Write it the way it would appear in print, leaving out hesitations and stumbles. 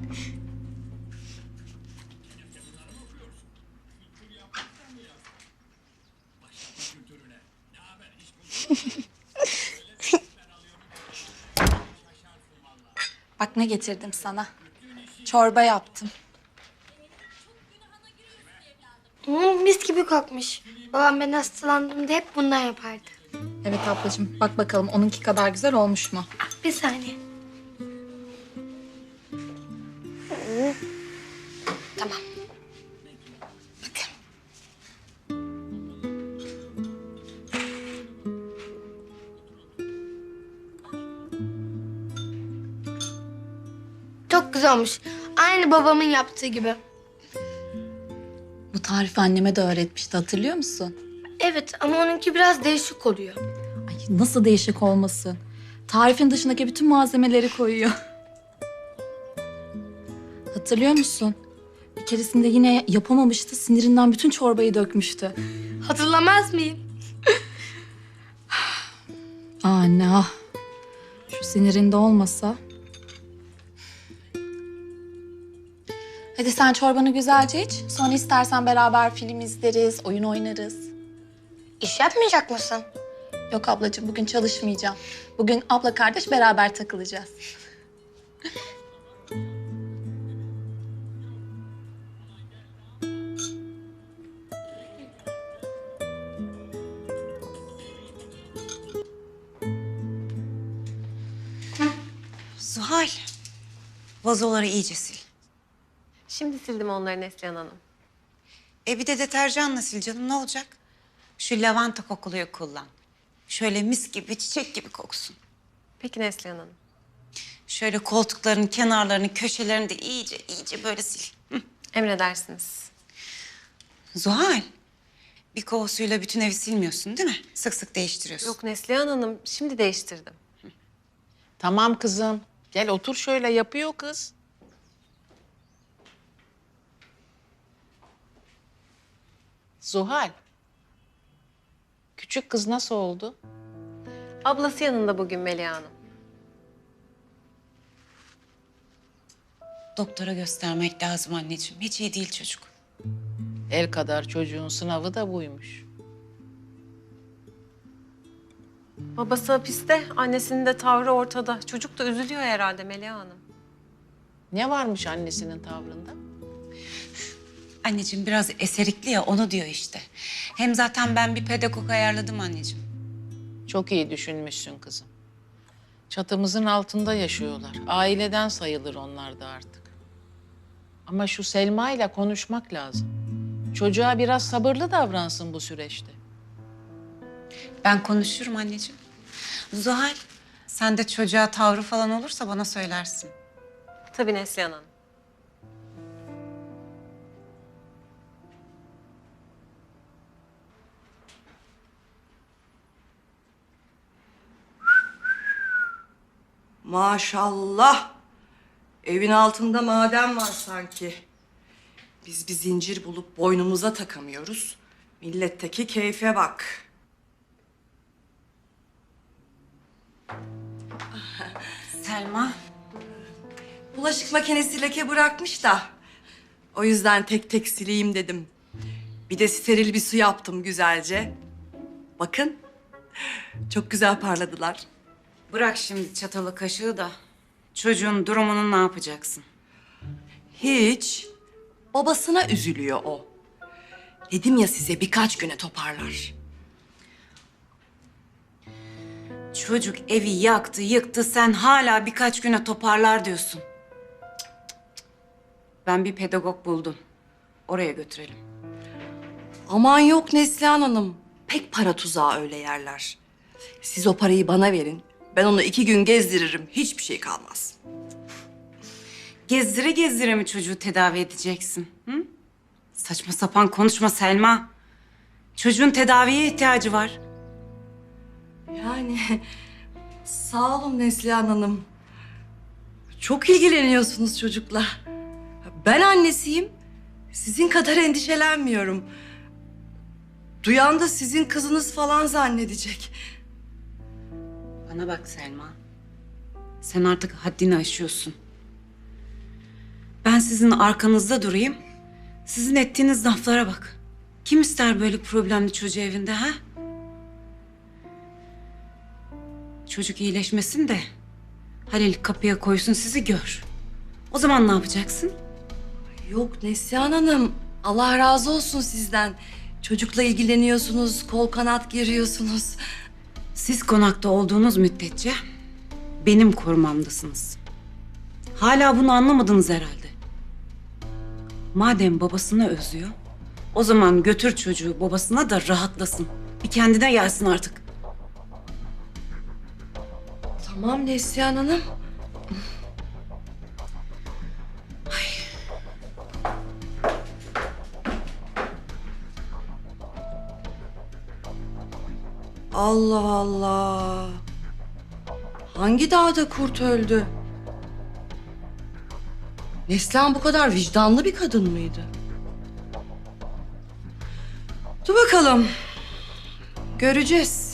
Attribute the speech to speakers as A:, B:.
A: Bak ne getirdim sana. Çorba yaptım.
B: Mis gibi kokmuş. Babam ben hastalandığımda hep bundan yapardı.
A: Evet ablacığım, bak bakalım onunki kadar güzel olmuş mu?
B: Bir saniye. Tamam. Bakın. Çok güzel olmuş. Aynı babamın yaptığı gibi.
A: Bu tarifi anneme de öğretmişti, hatırlıyor musun?
B: Evet ama onunki biraz değişik oluyor.
A: Ay nasıl değişik olmasın. Tarifin dışındaki bütün malzemeleri koyuyor. Hatırlıyor musun? Bir keresinde yine yapamamıştı, sinirinden bütün çorbayı dökmüştü.
B: Hatırlamaz mıyım?
A: Anne ah. Şu sinirinde olmasa. Hadi sen çorbanı güzelce iç. Sonra istersen beraber film izleriz, oyun oynarız.
B: İş yapmayacak mısın?
A: Yok ablacığım, bugün çalışmayacağım. Bugün abla kardeş beraber takılacağız.
C: Zuhal, vazoları iyice sil.
D: Şimdi sildim onları Neslihan Hanım.
C: Bir de deterjanla sil canım, ne olacak? Şu lavanta kokuluyu kullan. Şöyle mis gibi, çiçek gibi koksun.
D: Peki Neslihan Hanım.
C: Şöyle koltukların kenarlarını, köşelerini de iyice böyle sil. Hı.
D: Emredersiniz.
C: Zuhal, bir kova suyla bütün evi silmiyorsun değil mi? Sık sık değiştiriyorsun.
D: Yok Neslihan Hanım, şimdi değiştirdim.
E: Tamam kızım. Gel otur şöyle, yapıyor kız. Zuhal. Küçük kız nasıl oldu?
D: Ablası yanında bugün Melia Hanım.
C: Doktora göstermek lazım anneciğim. Hiç iyi değil çocuk.
E: El kadar çocuğun sınavı da buymuş.
D: Babası hapiste, annesinin de tavrı ortada. Çocuk da üzülüyor herhalde Melia Hanım.
E: Ne varmış annesinin tavrında?
C: Anneciğim biraz eserikli ya, onu diyor işte. Hem zaten ben bir pedagog ayarladım anneciğim.
E: Çok iyi düşünmüşsün kızım. Çatımızın altında yaşıyorlar. Aileden sayılır onlar da artık. Ama şu Selma ile konuşmak lazım. Çocuğa biraz sabırlı davransın bu süreçte.
C: Ben konuşurum anneciğim. Zuhal, sen de çocuğa tavrı falan olursa bana söylersin.
D: Tabii Neslihan Hanım.
F: Maşallah. Evin altında maden var sanki. Biz bir zincir bulup boynumuza takamıyoruz. Milletteki keyfe bak.
C: Selma.
F: Bulaşık makinesi leke bırakmış da. O yüzden tek tek sileyim dedim. Bir de steril bir su yaptım güzelce. Bakın. Çok güzel parladılar.
C: Bırak şimdi çatalı kaşığı da çocuğun durumunu ne yapacaksın?
F: Hiç. Babasına üzülüyor o. Dedim ya size birkaç güne toparlar.
C: Çocuk evi yaktı, yıktı. Sen hala birkaç güne toparlar diyorsun. Cık, cık, cık. Ben bir pedagog buldum. Oraya götürelim.
F: Aman yok Neslihan Hanım. Pek para tuzağı öyle yerler. Siz o parayı bana verin. Ben onu 2 gün gezdiririm. Hiçbir şey kalmaz.
C: Gezdire gezdire mi çocuğu tedavi edeceksin? Hı? Saçma sapan konuşma Selma. Çocuğun tedaviye ihtiyacı var.
F: Yani sağ olun Neslihan Hanım. Çok ilgileniyorsunuz çocukla. Ben annesiyim. Sizin kadar endişelenmiyorum. Duyan da sizin kızınız falan zannedecek.
C: Bana bak Selma. Sen artık haddini aşıyorsun. Ben sizin arkanızda durayım. Sizin ettiğiniz laflara bak. Kim ister böyle problemli çocuğu evinde ha? Çocuk iyileşmesin de Halil kapıya koysun sizi gör. O zaman ne yapacaksın?
F: Yok Neslihan Hanım, Allah razı olsun sizden. Çocukla ilgileniyorsunuz, kol kanat geriyorsunuz.
C: Siz konakta olduğunuz müddetçe benim korumamdasınız. Hala bunu anlamadınız herhalde. Madem babasını özlüyor, o zaman götür çocuğu babasına da rahatlasın. Bir kendine gelsin artık.
F: Tamam Neslihan Hanım. Allah Allah. Hangi dağda kurt öldü? Neslihan bu kadar vicdanlı bir kadın mıydı? Dur bakalım. Göreceğiz.